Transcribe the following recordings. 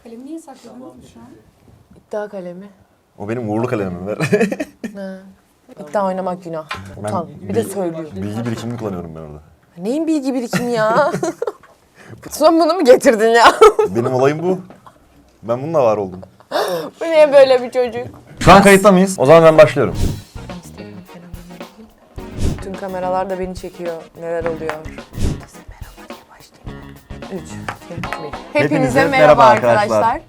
Kalemi niye sakladınız şu an? İddia kalemi. O benim uğurlu kalemim ver. Ha. İddia oynamak günah. Utan. Bir de söylüyor. Bilgi birikimini kullanıyorum ben orada. Neyin bilgi birikimi ya? Sen bunu mu getirdin ya? Benim olayım bu. Ben bununla var oldum. Bu niye böyle bir çocuk? Şu an kayıtta mıyız? O zaman ben başlıyorum. Tüm kameralar da beni çekiyor. Neler oluyor? Merhaba diye başlayayım. 3, 2, 1. Hepinize merhaba arkadaşlar.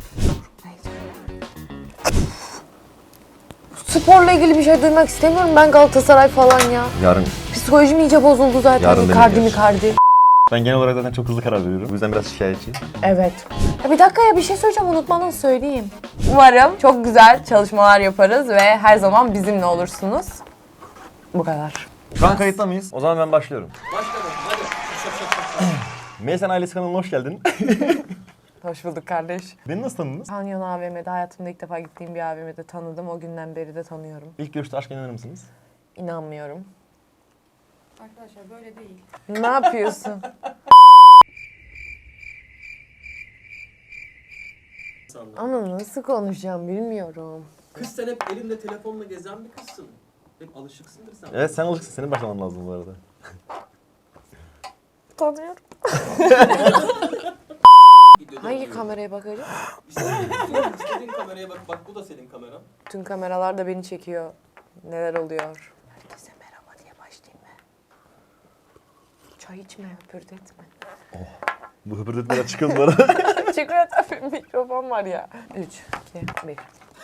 Sporla ilgili bir şey duymak istemiyorum ben Galatasaray falan ya. Yarın. Psikolojim iyice bozuldu zaten. Yarın Icardi deneyeceğiz. Ben genel olarak zaten çok hızlı karar veriyorum. Bu yüzden biraz şikayetçiyim. Evet. Ya bir dakika ya bir şey söyleyeceğim unutmadan söyleyeyim. Umarım çok güzel çalışmalar yaparız ve her zaman bizimle olursunuz. Bu kadar. Şu an kayıtta mıyız? O zaman ben başlıyorum. Başlayalım hadi. Meysen Ailesi kanalına hoş geldin. Hoş bulduk kardeş. Beni nasıl tanıdınız? Kanyon AVM'de hayatımda ilk defa gittiğim bir AVM'de tanıdım. O günden beri de tanıyorum. İlk görüşte aşk inanır mısınız? İnanmıyorum. Arkadaşlar böyle değil. Ne yapıyorsun? Ama nasıl konuşacağım bilmiyorum. Kız sen hep elinde telefonla gezen bir kızsın. Hep alışıksındır sen. Evet sen alışıksın. Senin başlaman lazım bu arada. Tanıyorum. Videoda Hangi oluyor. kameraya bakacağım? İstediğin kameraya bak. Bak bu da senin kameran. Tüm kameralar da beni çekiyor. Neler oluyor? Herkese merhaba diye başlayayım mı? Çay içme, höpürdetme. Bu höpürdetmeler çıkın bu arada. Çıkıyor tabii mikrofon var ya. 3, 2, 1.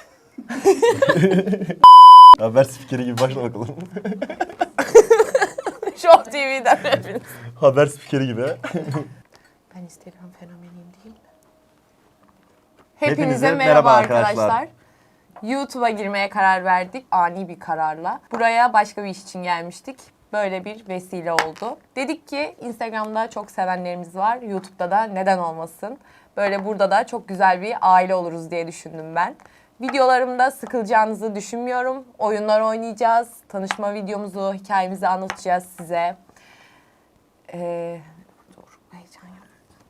Haber spikeri gibi başla bakalım. Show TV'den hepiniz. Haber spikeri gibi ha. Ben Instagram fenomeniyim değil mi? Hepinize merhaba arkadaşlar. arkadaşlar. YouTube'a girmeye karar verdik ani bir kararla. Buraya başka bir iş için gelmiştik. Böyle bir vesile oldu. Dedik ki Instagram'da çok sevenlerimiz var. YouTube'da da neden olmasın? Böyle burada da çok güzel bir aile oluruz diye düşündüm ben. Videolarımda sıkılacağınızı düşünmüyorum. Oyunlar oynayacağız. Tanışma videomuzu, hikayemizi anlatacağız size. Dur, heyecan yok.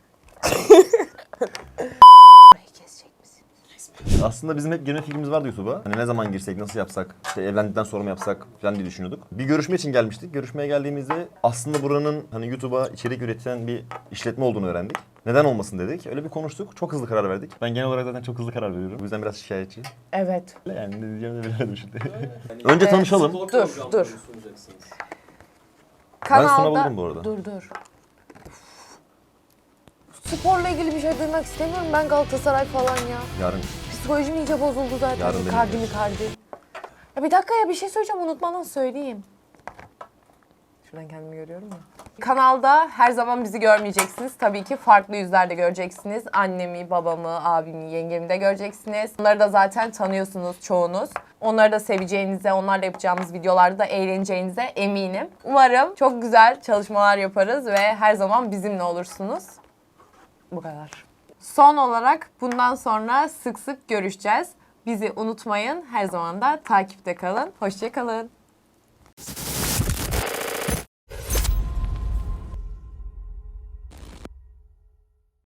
Burayı kesecek misin? Aslında bizim hep girme fikrimiz vardı YouTube'a. Hani ne zaman girsek, nasıl yapsak, işte evlendikten sonra mı yapsak falan diye düşünüyorduk. Bir görüşme için gelmiştik. Görüşmeye geldiğimizde aslında buranın hani YouTube'a içerik üreten bir işletme olduğunu öğrendik. Neden olmasın dedik. Öyle bir konuştuk. Çok hızlı karar verdik. Ben genel olarak zaten çok hızlı karar veriyorum. Bu yüzden biraz şikayetçiyim. Evet. Yani ne diyeceğimi de bilemedim şimdi. Yani Önce tanışalım. spor Dur, programları dur. sunacaksınız. Ben sunabilirim bu arada. Dur. Sporla ilgili bir şey duymak istemiyorum ben Galatasaray falan ya. Yarın. Psikolojim iyice bozuldu zaten. Yarın Icardi. deneyeceğiz. Ya bir dakika ya bir şey söyleyeceğim unutmadan söyleyeyim. Şuradan kendimi görüyorum ya. Kanalda her zaman bizi görmeyeceksiniz. Tabii ki farklı yüzler de göreceksiniz. Annemi, babamı, abimi, yengemi de göreceksiniz. Onları da zaten tanıyorsunuz çoğunuz. Onları da seveceğinize, onlarla yapacağımız videolarda da eğleneceğinize eminim. Umarım çok güzel çalışmalar yaparız ve her zaman bizimle olursunuz. Bu kadar. Son olarak bundan sonra sık sık görüşeceğiz. Bizi unutmayın. Her zaman da takipte kalın. Hoşça kalın.